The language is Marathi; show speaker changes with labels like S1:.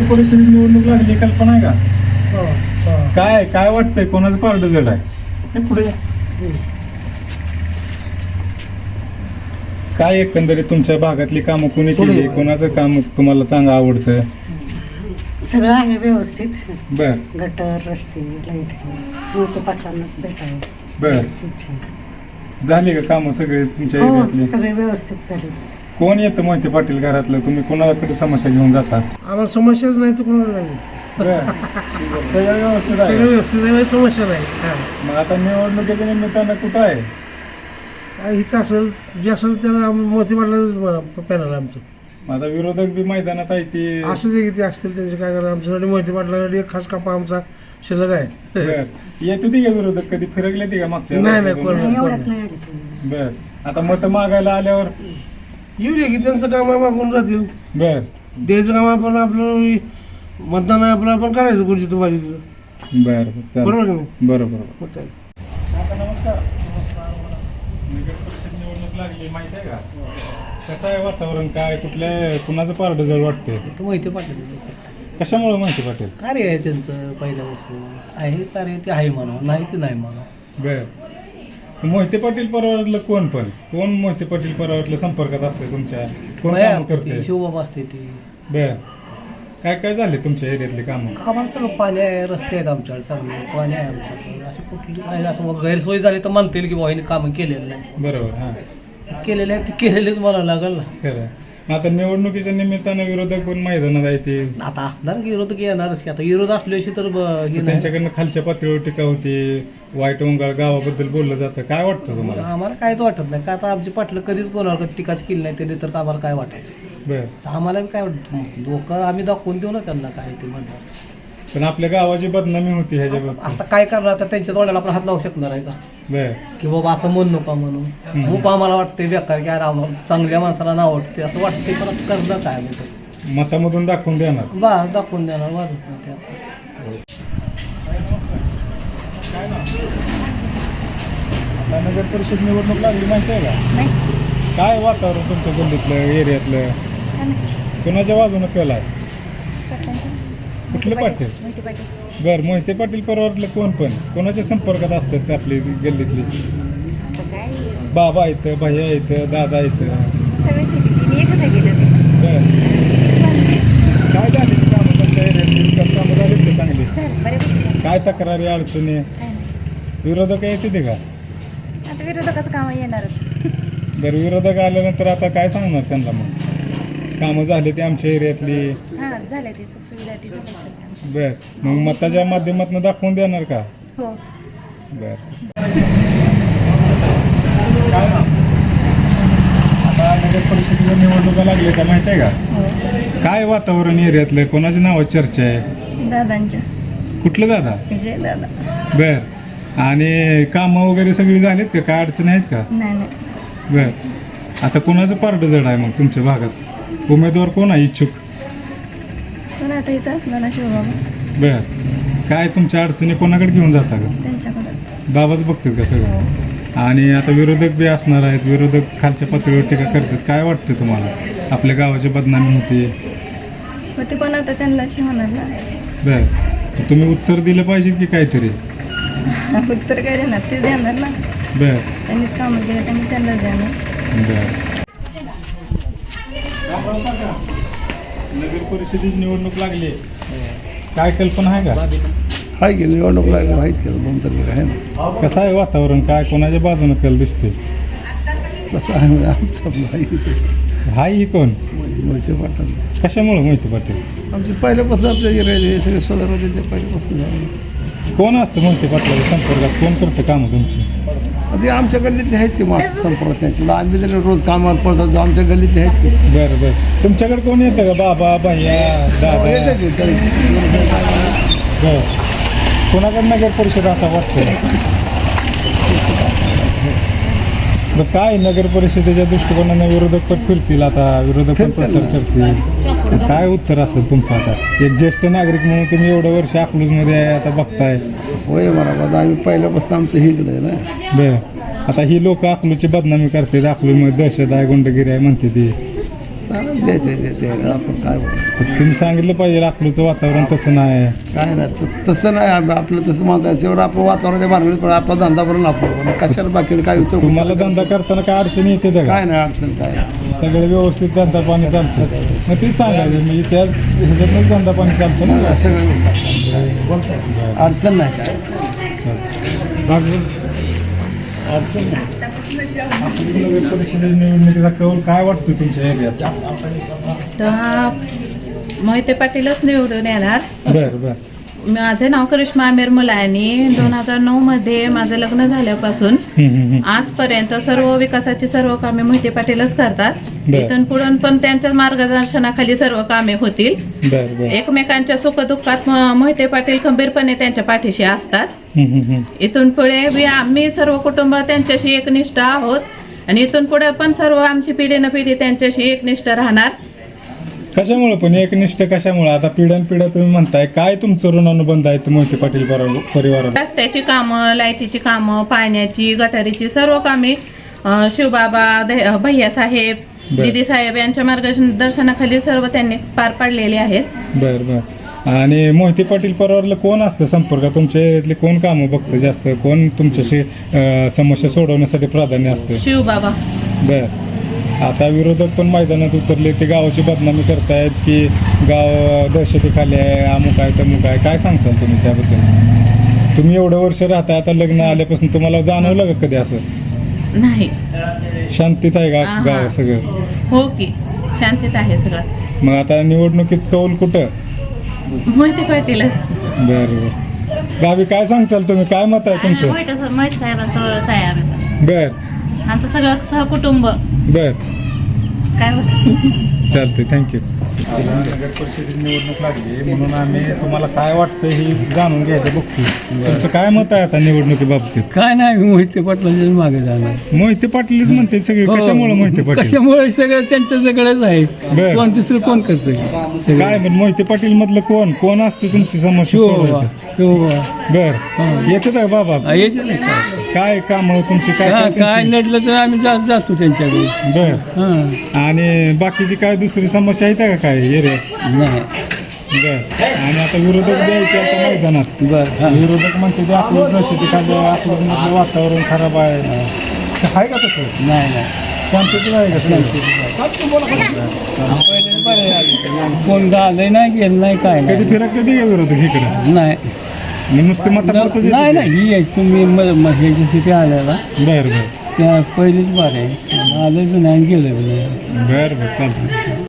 S1: नगर परिषदेची निवडणूक लागली, कल्पना आहे का?
S2: हो,
S1: काय काय वाटतंय, कोणाचं पारडं जड आहे? हे पुढे काय एकंदरीत तुमच्या भागातली कामं कोणी केली, कोणाचं काम तुम्हाला चांगलं आवडतं?
S2: सगळं आहे व्यवस्थित.
S1: बर
S2: गटर, रस्ते, लाईट मोठे पाटलांनाच भेटावं
S1: बर
S2: इच्छा आहे.
S1: झाली का कामं सगळे तुमच्या
S2: हो,
S1: एरियातली?
S2: सगळे व्यवस्थित झाले.
S1: कोण येतं मोहिते पाटील घरातलं? तुम्ही कोणाकडे समस्या घेऊन जाता?
S3: आम्हाला समस्याच नाही तर कोणाला नाही.
S1: सगळं व्यवस्थित
S3: सगळं
S1: आहे.
S3: व्यवस्थित आहे, समस्या नाही. हा.
S1: मग आता निवडणुकीच्या निमित्तानं कुठं आहे?
S3: काय इथं असेल जे असेल त्याला मोठी वाटलं पॅनल आमचं.
S1: मग आता विरोधक बी मैदानात आहे ती.
S3: असू दे किती असतील त्यांचे काय करणार. आमच्यासाठी मोहिते पाटलासाठी एक खास कपा आमचा शिल्लक आहे.
S1: बर येते ती का विरोधक? कधी फिरकले ती का मागच्या
S3: नाही, नाही,
S1: वेळेस?
S3: कोण-
S2: नाही, एवढ्यात नाही आले तुम्ही.
S1: बर आता मत मागायला आल्यावर
S3: येऊ दे की त्यांचं काम आहे, मागून जातील.
S1: बर
S3: द्यायचं काम आपण आपलं मतदान आहे आपलं, आपण करायचं कुठची तू पाहिजे तुझं.
S1: बर
S3: बरोबर की नाही?
S1: बरोबर.
S3: मग काय.
S1: आता नमस्कार. नगर परिषद निवडणूक लागली, माहिती आहे का? कसं आहे वातावरण? काय कुठल्या कुणाचं पारडं जड वाटतंय?
S4: तो मोहिते पाटील
S1: कशामुळे माहिती पाटील?
S4: कार्य आहे त्यांचं पहिल्यापासून आहे कार्य, ते आहे म्हणा, नाही ते नाही म्हणा.
S1: बर मोहिते पाटील परिवारातलं कोण मोहिते पाटील परिवारातल्या संपर्कात असते तुमच्या? कोण
S4: बाया
S1: काम
S4: असते
S1: करते?
S4: ती, शिवबाबा असते ती.
S1: बर काय काय झाले तुमच्या एरियातले कामं?
S4: आम्हाला सगळं पाणी आहे, रस्ते आहेत आमच्याकडे चांगले, पाणी आहे आमच्याकडे. अशी कुठली आहे असं मग गैरसोय झाली तर म्हणता येईल की बाबा हिने कामं केलेलं नाही.
S1: बरोबर हां
S4: केलेले आहेत ते केलेलेच म्हणावं लागेल ना.
S1: खरं. मग आता निवडणुकीच्या निमित्तानं विरोधक पण मैदानात आहे ते.
S4: आता असणार की विरोध येणारच की. आता विरोध असल्याशी तर हे नाही.
S1: त्यांच्याकडनं खालच्या पातळीवर टीका होती, वाईट वंगाळ गावाबद्दल बोललं जातं. काय वाटतं तुम्हाला?
S4: आम्हाला काहीच वाटत नाही का. आता आमची पाटलं कधीच कोणावर टीकाच केली नाही त्यांनी, तर आम्हाला काय वाटायचं.
S1: बर
S4: तर आम्हाला बी काय वाटतं, लोक आम्ही दाखवून देऊ ना त्यांना काय ते म्हणतात.
S1: पण आपल्या गावाची बदनामी होती ह्याच्या बाबतीत.
S4: आता काय करणार, आता त्यांच्या तोंडाला आपण हात लावू शकणार आहे का
S1: बर
S4: की बाबा असं म्हणू नका म्हणून. खूप आम्हाला वाटते बेकार की अरे आम्हाला चांगल्या माणसाला नाव वाटते असं वाटते, पण आता करणार काय आम्ही तर.
S1: मतामधून दाखवून देणार.
S4: बा दाखवून देणार, वादच नाही ते आता.
S1: आता नगर परिषद निवडणूक लागली, माहिती आहे का?
S2: नाही,
S1: काय वातावरण तुमच्या गल्लीतलं, एरियातलं?
S2: छान आहे.
S1: कुणाच्या बाजूनं केलाय?
S2: सरपंच
S1: कुठलं पाटील?
S2: मोहिते पाटील.
S1: बर मोहिते पाटील परिवारातलं पण कोणाच्या संपर्कात असतात आपली गल्लीतली?
S2: आता काय
S1: बाबा येतं, भैया येतं, दादा येतं.
S2: सगळेच येते, मी एकच आहे गेलं ते.
S1: बर काय झाली ती कामं तुमच्या एरियातली? विकास कामं झाली ते चांगली?
S2: झालं बऱ्यापैकी.
S1: काय तक्रारी अडचणी?
S2: काय नाही,
S1: विरोधक येते ते का?
S2: आता विरोधकाचं काम येणारच.
S1: बरं विरोधक आल्यानंतर आता काय सांगणार त्यांना? मग कामं झाली ते आमच्या एरियातली.
S2: हां झालं ते, सुखसुविधा ती झाली सगळं.
S1: बर मग मताच्या माध्यमातून दाखवून देणार का?
S2: हो.
S1: बर काय ना आता नगर परिषदेच्या निवडणुका लागल्या का, माहिती आहे का?
S2: हो,
S1: काय वातावरण एरियातलं? कोणाच्या नावाची चर्चा आहे?
S2: दादांच्या.
S1: कुठलं दादा?
S2: विजय दादा.
S1: बर आणि कामं वगैरे सगळी झालीत का? काय अडचण आहेत का?
S2: नाही नाही,
S1: बर आता कोणाचं पारडं जड आहे मग तुमच्या भागात? उमेदवार कोण आहे इच्छुक?
S2: पण आता इथं असणार ना शिवबाबा,
S1: बर काय तुमच्या अडचणी कोणाकडे घेऊन जाता का?
S2: त्यांच्याकडेच.
S1: बाबाच बघतात का सगळं?
S2: हो.
S1: आणि आता विरोधक बी असणार आहेत, विरोधक खालच्या पातळीवर टीका करतात. काय वाटतं तुम्हाला? आपल्या गावाची बदनामी होते.
S2: मग ते पण आता त्यांना होणार ना.
S1: बर तुम्ही उत्तर दिलं पाहिजे की काहीतरी?
S2: उत्तर काय देणार, ते देणार ना.
S1: बर
S2: त्यांनीच कामं केलं, त्यांनी त्यांनाच देणार.
S1: बर नगर परिषदेची निवडणूक लागली, काय कल्पना आहे का?
S5: आहे की निवडणूक लागली माहीत केलं 2 तारखेला आहे ना.
S1: कसं आहे वातावरण? काय कोणाच्या बाजूनं कल दिसते?
S5: तसं आहे म्हणजे आमचं माहिती
S1: हाय ही कोण?
S5: मोहिते पाटील.
S1: कशामुळे मोहिते पाटील?
S5: आमचे पहिल्यापासून आपल्या राहिले हे सगळे स्वतः होते ते पहिल्यापासून झाले.
S1: कोण असतं मोहिते पाटलाच्या संपर्कात? कोण करतं कामं तुमची?
S5: ते आमच्या गल्लीतले आहेत की माणसं संपर्क त्यांचे. आम्ही तरी रोज कामावर पडतो, आमच्या गल्लीतले आहेत की.
S1: बरं बरं तुमच्याकडे कोण येतं का? बाबा, भैया, दादा?
S5: येते की तरी.
S1: बरं कोणाकडे नगर परिषद असा वाटतं? बरं काय नगर परिषदेच्या दृष्टिकोनाने विरोधक पण फिरतील, आता विरोधक पण प्रचार करतील. काय उत्तर असेल तुमचं? आता एक ज्येष्ठ नागरिक म्हणून तुम्ही एवढं वर्ष अकलूजमध्ये आहे, आता बघताय.
S5: होय बरोबर, आम्ही पहिल्यापासून आमचं हे इकडे आहे ना.
S1: बरं आता ही लोक अकलूची बदनामी करतात, अकलूमध्ये दहशत आहे, गुंडगिरी आहे म्हणते ती.
S5: द्यायचं आपण काय बोलू.
S1: तुम्ही सांगितलं पाहिजे अकलूजचं वातावरण तसं नाही.
S5: काय नाही तसं नाही आपलं तसं म्हणतायचं एवढं आपण वातावरणाच्या मारण्यात पण आपला धंदा करून आपण कशाला बाकी काय उत्तर
S1: तुम्हाला धंदा करताना काय अडचणी येते का?
S5: काय नाही अडचण काय नाही.
S1: सगळे व्यवस्थित धंदा पाणी चालतं. मग तेच सांगायचं म्हणजे त्या ह्याच्यातूनच धंदा पाणी चालतं ना.
S5: सगळं अडचण नाही काय
S1: बाकी
S5: अडचण नाही.
S1: आपली नगर परिषद निवडणुकीचा कौल काय वाटतो तुमच्या एरियात?
S6: तर मोहिते पाटीलच निवडून येणार.
S1: बरं बरं.
S6: माझे नाव करिश्मा आमिर मुलानी. 2009 मध्ये माझं लग्न झाल्यापासून आजपर्यंत सर्व विकासाची सर्व कामे मोहिते पाटीलच करतात.
S1: बर.
S6: इथून पुढून पण त्यांच्या मार्गदर्शनाखाली सर्व कामे होतील.
S1: बरं बरं.
S6: एकमेकांच्या सुखदुःखात मोहिते पाटील खंबीरपणे त्यांच्या पाठीशी असतात. इथून पुढे आम्ही सर्व कुटुंब त्यांच्याशी एकनिष्ठ आहोत आणि इथून पुढे पण सर्व आमची पिढी न पिढी त्यांच्याशी एकनिष्ठ राहणार.
S1: कशामुळे पण एकनिष्ठ कशामुळे? आता पिढ्यानपिढ्या तुम्ही म्हणताय, काय तुमचं ऋणानुबंध आहे मोहिते पाटील परिवाराला?
S6: रस्त्याची कामं, लाईटीची कामं, पाण्याची, गटारीची सर्व कामे शिवबाबा, भैयासाहेब,
S1: बर.
S6: दिदी साहेब यांच्या मार्गदर्शनाखाली सर्व त्यांनी पार पाडलेले आहेत.
S1: बरं बरं. आणि मोहिते पाटील परिवाराला कोण असतं संपर्क? तुमच्या इथले कोण कामं बघतं जास्त? कोण तुमच्याशी समस्या सोडवण्यासाठी प्राधान्य असतं?
S6: शिवबाबा.
S1: बरं. आता विरोधक पण मैदानात उतरले, ते गावाची बदनामी करतायत की गाव दहशतीखाली आहे, अमुक आहे तमुक आहे. काय सांगताल तुम्ही त्याबद्दल? तुम्ही एवढं वर्ष राहताय, आता लग्न आल्यापासून तुम्हाला जाणवलं का कधी असं?
S6: नाही.
S1: शांतीत आहे का
S6: हा.
S1: गाव सगळं?
S6: हो की शांतीत आहे सगळं.
S1: मग आता निवडणुकीत कौल कुठं?
S6: मोहिते पाटीलच.
S1: बरं बरं. गावी काय सांगताल तुम्ही? काय मत आहे तुमचं?
S7: मोहिते साहेबांचं आहे आम्ही.
S1: बर
S7: आमचं सगळं सहकुटुंब
S1: बर.
S7: काय होतं.
S1: चालते, थँक्यू. नगर परिषदेची निवडणूक लागली म्हणून आम्ही तुम्हाला काय वाटतं हे जाणून घ्यायचं बघतो. तुमचं काय मत आहे आता निवडणुकीबाबतीत?
S8: काय नाही मोहिते पाटलाच्या मागे जाणार.
S1: मोहिते पाटीलच म्हणते सगळे. कशामुळे मोहिते पाटील?
S8: कशामुळे सगळं त्यांच्या सगळंच आहे.
S1: बर.
S8: कोण दुसरं कोण करतंय?
S1: काय पण मोहिते पाटील मधलं कोण असते तुमची समस्या सोडवायचं? बर. येते का बाबा?
S8: येते ना काय?
S1: काय काम तुमची? काय
S8: हा,
S1: काय
S8: काय
S1: त्यांची?
S8: नडलं तर आम्ही जातो त्यांच्याकडे.
S1: बर.
S8: हा
S1: आणि बाकीची काय दुसरी समस्या आहे का काय एरियात?
S8: नाही.
S1: बर. आणि आता विरोधक द्यायचे आता मैदानात.
S8: बर. हा.
S1: विरोधक म्हणते ते आपलं दहशतीखाली, आपलं मधलं वातावरण खराब आहे. आहे का तसं?
S8: नाही नाही.
S1: शांततेत आहे का सगळं?
S8: कोण आलंय नाही गेलं नाही काय
S1: कधी
S8: नाही.
S1: फिरक कधी का विरोधक इकडे?
S8: नाही
S1: नुसते मतापुरतच येते
S8: नाही
S1: ते?
S8: नाही ही आहे तुम्ही ह्याच्यासाठी आलेला
S1: बर बर.
S8: त्या पहिलीच बार आहे. आलं बी नाही गेलं बी नाही.
S1: बर बर, चालतं.